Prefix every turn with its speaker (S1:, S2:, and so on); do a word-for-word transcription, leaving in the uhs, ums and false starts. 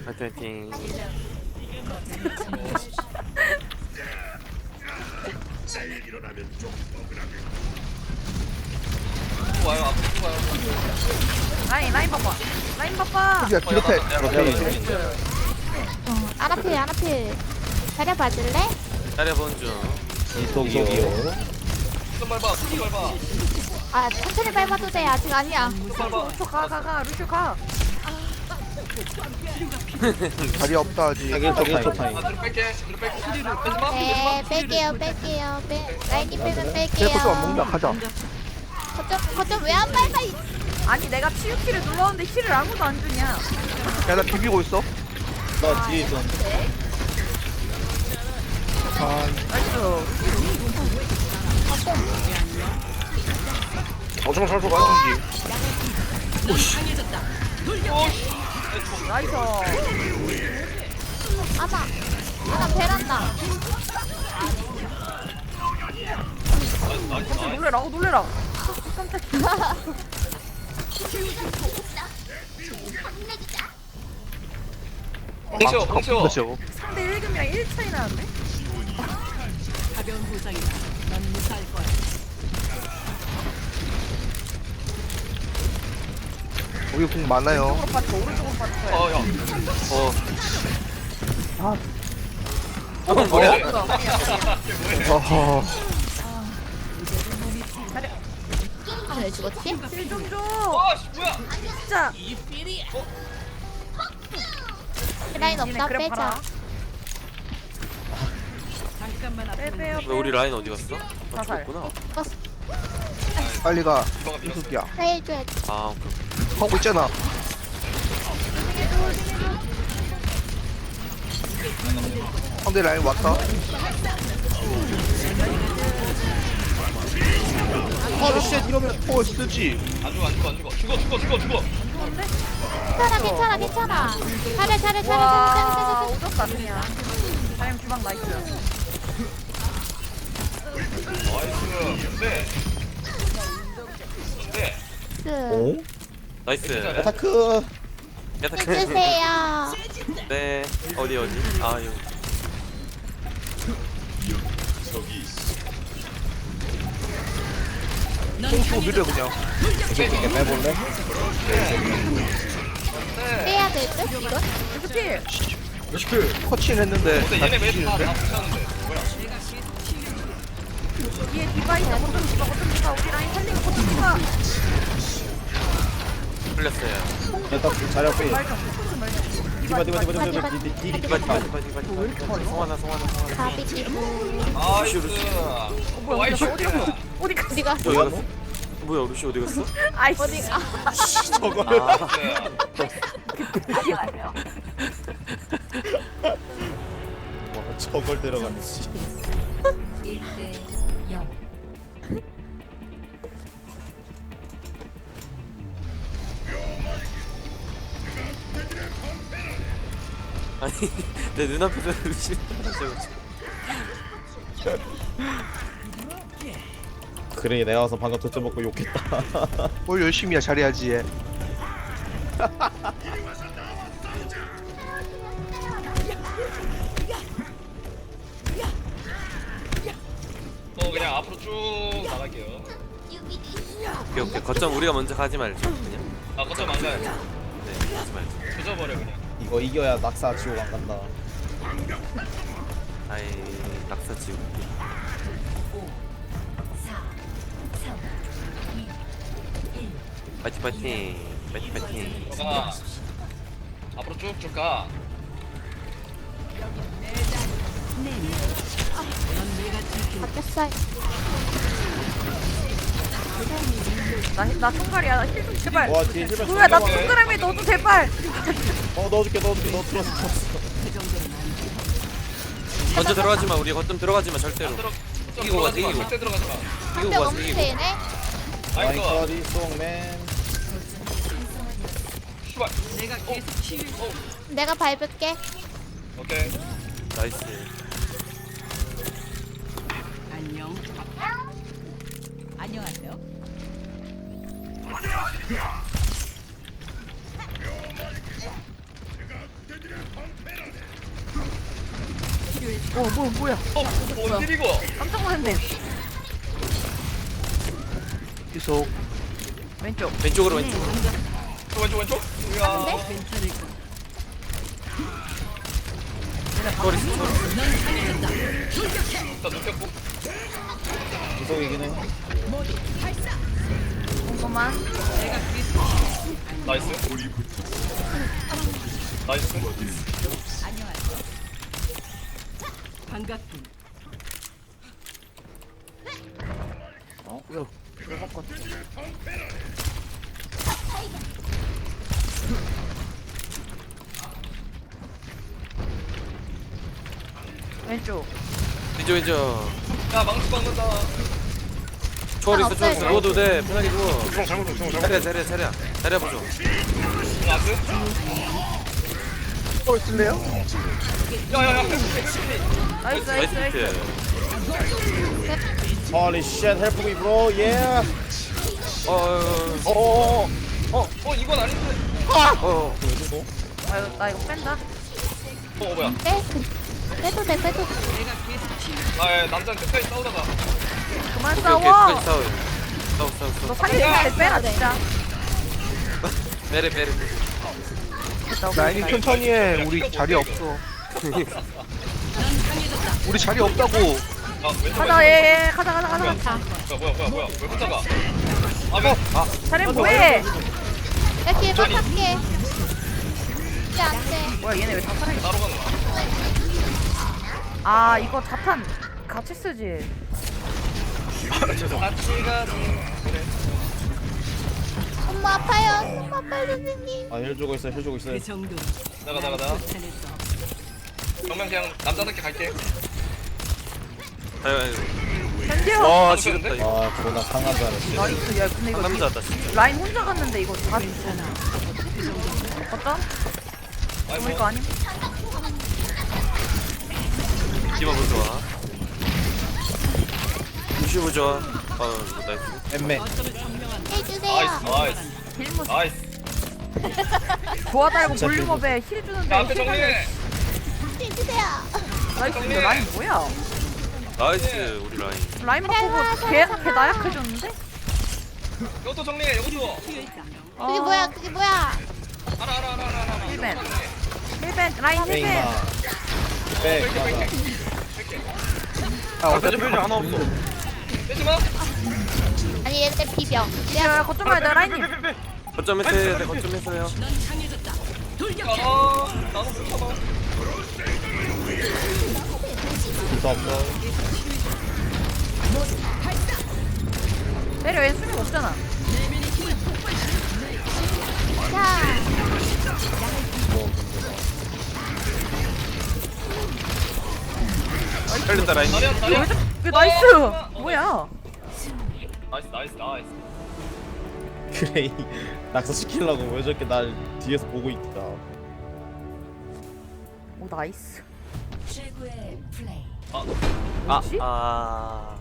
S1: 파이팅.
S2: 와요 앞으로 와요.
S3: 라인 라인 봐봐 라인 봐봐.
S4: 야 기록해.
S5: 어, 아나필 아나필 자리 봐줄래?
S1: 잘해본 중.
S6: 이속이요.
S2: 손 밟아 손 밟아.
S5: 아 천천히 밟아도 돼 아직 아니야.
S2: 밟아.
S3: 루슈 가가가 루슈 가.
S4: 자리 없다 아직.
S6: 자기 저기 초 타임.
S2: 아 뒤로 뺄게 뒤로 뺄게. 빼지 마.
S5: 네 뺄게요 뺄게요 빼 라인이 빼면 뺄게요.
S4: 쟤 것도 안 먹는다. 가자.
S5: 거점 거점 왜 안 밟아 이-
S3: 아니 내가 치유 키를 눌렀는데 힐을 아무도 안 주냐.
S4: 야 나 비비고 있어.
S6: 나 뒤에 있었는데.
S4: 아,
S3: 나이스.
S4: 어쩌면 살수 가는지.
S3: 나이스.
S5: 아나 아나 베란다.
S3: 깜짝 놀래라. 어 놀래라. 깜짝이야.
S2: 펑치워 펑치워.
S4: 그렇죠.
S3: 삼 대 일 금이랑 일 차이 나는데?
S7: 가벼운 부상이다. 넌 무사할 거야.
S4: 우리 공 많아요.
S3: 오른쪽으로 빠져 오른쪽으로 빠져.
S2: 어야.
S1: 어.
S4: 아.
S1: 어 뭐야?
S4: 어허.
S5: 왜 죽었지?
S3: 힐좀 줘.
S2: 아씨 뭐야?
S3: 진짜.
S5: 라인
S3: 니네
S5: 없다
S3: 그래
S5: 빼자.
S3: 봐라.
S7: 잠깐만
S3: 빼
S7: 앞으로
S3: 빼요.
S1: 왜 우리 라인 어디 갔어? 아
S3: 자살.
S1: 죽었구나.
S4: 빨리 가.
S2: 이거가 밀었어.
S4: 이속이야.
S5: 해줘야 돼.
S1: 아 오케이.
S4: 하고 있잖아. 상대 라인 왔다. 어, 쉣 이러면 어 쓰지.
S2: 안 죽어 안 죽어 안 죽어. 죽어 죽어 죽어 죽어.
S5: 괜찮아 괜찮아 괜찮아. 잘해 잘해 잘해 잘해
S3: 와
S5: 잘해
S3: 오졌다 그냥. 자임 주방 나이스.
S2: 나이스. 네. 네.
S5: 잘해.
S6: 오?
S1: 나이스.
S6: 아타크.
S1: 야타.
S5: 해주세요.
S1: 네. 어디 어디? 아 이거.
S4: 또 밀려 그냥.
S6: 이렇게 빼볼래?
S5: 빼야 될 듯? 이거?
S3: 루슈필.
S4: 커치는 했는데.
S2: 근데
S4: 나
S2: 얘네 매일
S4: 뒤지는데?
S2: 다다 붙였는데. 뭐야?
S3: 뒤에 디바 있어. 거점 디바 거점 디바 우리 라인 살리고 거점 디바.
S1: 풀렸어요.
S6: 일단 자리 앞에.
S3: 말좀 좀 말좀.
S6: 디바 디바 디바 디바 디바 디바 디바
S1: 디바
S6: 디바
S1: 디바 디바 디바 디바. 송하나 송하나 송하나.
S5: 가비 기부.
S2: 나이스.
S3: 뭐야
S2: 와이슈.
S3: 어디 갔어? 어디 갔어?
S5: 어디가?
S1: 어디 갔어? 뭐야 루시 어디 갔어?
S3: 아이씨.
S5: 어디가?
S6: 저거를.
S1: 아.
S6: 와, 저걸 데려가네. 씨.
S1: 아니 내 눈앞에서 루시.
S6: 그래 내가 와서 방금 도점 먹고 욕했다.
S4: 뭘 열심히야 잘해야지 얘.
S2: 어 그냥 앞으로 쭉 나갈게요.
S1: 오케이 오케이. 거점 우리가 먼저 가지 말자. 그냥.
S2: 아 거점 안 가요.
S1: 네 가지 말자.
S2: 조져버려 그냥.
S6: 이거 이겨야 낙사 지옥 안 간다.
S1: 아이 낙사 지우. 파이팅 파이팅. 파이팅 파이팅.
S2: 가. 앞으로 쭉쭉 가.
S5: 바뀌었어.
S3: 나나 총갈이야. 나 힐 좀 제발.
S6: 와 뒤에 실패.
S3: 뭐야 나 동그라미 너도 제발.
S6: 어 넣어줄게 넣어줄게 넣어 들어왔어.
S1: 먼저 들어가지 마. 우리 거점 들어가지 마 절대로.
S2: 안 들어.
S1: 이기고 가자, 이기고.
S2: 절대 들어가지 마.
S5: 한명
S1: 이기고 가자
S5: 없는
S1: 이기고.
S5: 데네.
S6: 마이
S2: 나이스.
S6: 커리 송맨.
S2: 슈발.
S7: 내가 계속 치유.
S5: 내가 밟을게.
S2: 오케이.
S1: 나이스.
S7: 안녕. 안녕하세요.
S3: 어, 뭐, 뭐야.
S2: 어, 뭔 일이고?
S3: 깜짝 놀랐네.
S4: 계속
S3: 왼쪽.
S1: 왼쪽으로 왼쪽.
S2: 왼쪽 왼쪽. 우와.
S7: 괜찮을 거야.
S1: 소리 소리.
S2: 나 눕혔고.
S6: 구석이긴 해.
S3: 궁금한.
S2: 나이스. 나이스.
S7: 반갑군.
S3: 어? 이거 먹었거든. 왼쪽.
S1: 왼쪽 왼쪽.
S2: 야 망치 박는다.
S1: 초월 있어 초월
S5: 없어요,
S1: 있어. 누워도 돼. 편하게 누워.
S2: 잘못 잘못 잘못.
S1: 자리야 자리야 자리야. 자리야 보죠.
S2: 나이스.
S4: 또 쓸래요?
S2: 야야야.
S3: 나이스, 나이스,
S1: 나이스
S3: 나이스.
S1: 히트.
S6: Holy shit, help me, bro. Yeah.
S1: 어, 어,
S6: 어, 어,
S2: 어 이건 아닌데.
S1: 어, 어.
S3: 아, 이거, 나 이거 뺀다.
S2: 어 뭐야?
S5: 빼. 빼도 돼 빼도 돼.
S2: 아 남자는 끝까지 싸우다가.
S3: 그만
S1: 오케이 오케이
S3: 싸워.
S1: 끝까지 싸워. 싸워 싸워
S3: 너
S1: 싸워.
S3: 살리는 빼라, 진짜.
S1: 메리 메리.
S3: 됐다,
S4: 라인이
S3: 오케이.
S4: 천천히 해. 우리 자리 없어. 우리 자리 없다고.
S2: 아 왼쪽.
S3: 가자, 예, 예. 가자, 가자, 가자. 가자.
S2: 왼쪽. 뭐야 뭐야 뭐야 왜 혼자 가? 아 왜? 아
S3: 차림 뭐해?
S5: 나 뒤에 부탁해. 이제 안 돼.
S3: 뭐야, 얘네 왜 다 살아?
S2: 따로 가는 거야?
S3: 아, 이거 자탄 같이 쓰지.
S2: 같이 가는.
S5: 엄마 아파요. 엄마 아파요 선생님.
S6: 아, 힐 주고 있어, 힐 주고 있어.
S7: 그 정도.
S2: 나가 나가 나가.
S7: 쫓아냈어.
S2: 정면 그냥 남자답게 갈게.
S1: 아유 아유.
S3: 현지요.
S1: 와 지렸다
S2: 아,
S1: 이거.
S6: 아, 존나 상한 줄 알았어.
S3: 나이스. 야, 근데 이거
S1: 남자다 진짜.
S3: 라인 혼자 갔는데 이거 다
S7: 괜찮아.
S3: 어떤?
S2: 아이
S3: 우리 거
S2: 뭐.
S3: 아님?
S1: 디바 보 좋아. 루시 보 좋아. 어 나이스.
S6: 엠메.
S5: 해주세요.
S2: 나이스 나이스
S3: 힐무
S2: 나이스.
S3: 좋아 달고
S6: 진짜
S3: 볼륨업에 힐 주는데
S2: 야 앞에
S3: 힐 달려.
S2: 정리해.
S5: 해주세요.
S3: 나이스. 근데 라인 뭐야?
S1: 나이스 우리 라인.
S3: 라인 바꾸고 걔, 걔 나약해졌는데?
S2: 이것도 정리해. 이것도.
S5: 그게 뭐야? 그게 뭐야?
S2: 알아 알아 알아 알아. 알아.
S3: 힐벤. 힐벤 라인 힐벤.
S6: 페이마. 백, 맞아.
S4: 아, 어차피
S1: 표정 하나 없어.
S2: 빼지 마.
S5: 아니 얘네 비벼.
S3: 야, 거점 가야 돼 라인님.
S1: 거점에서 해야 돼. 거점에서요.
S2: 아 나도 불편하.
S6: 불도 없어.
S3: 내려 얘 수명 없잖아.
S5: 자.
S1: 살렸다 라인.
S2: 다리야 다리야.
S3: 왜 나이스? 뭐야?
S2: 나이스 나이스 나이스.
S6: 그래, 이 낙서시키려고 왜 저렇게 날 뒤에서 보고 있다.
S3: 오 나이스.
S2: 아
S1: 아
S3: 뭐지?
S1: 아.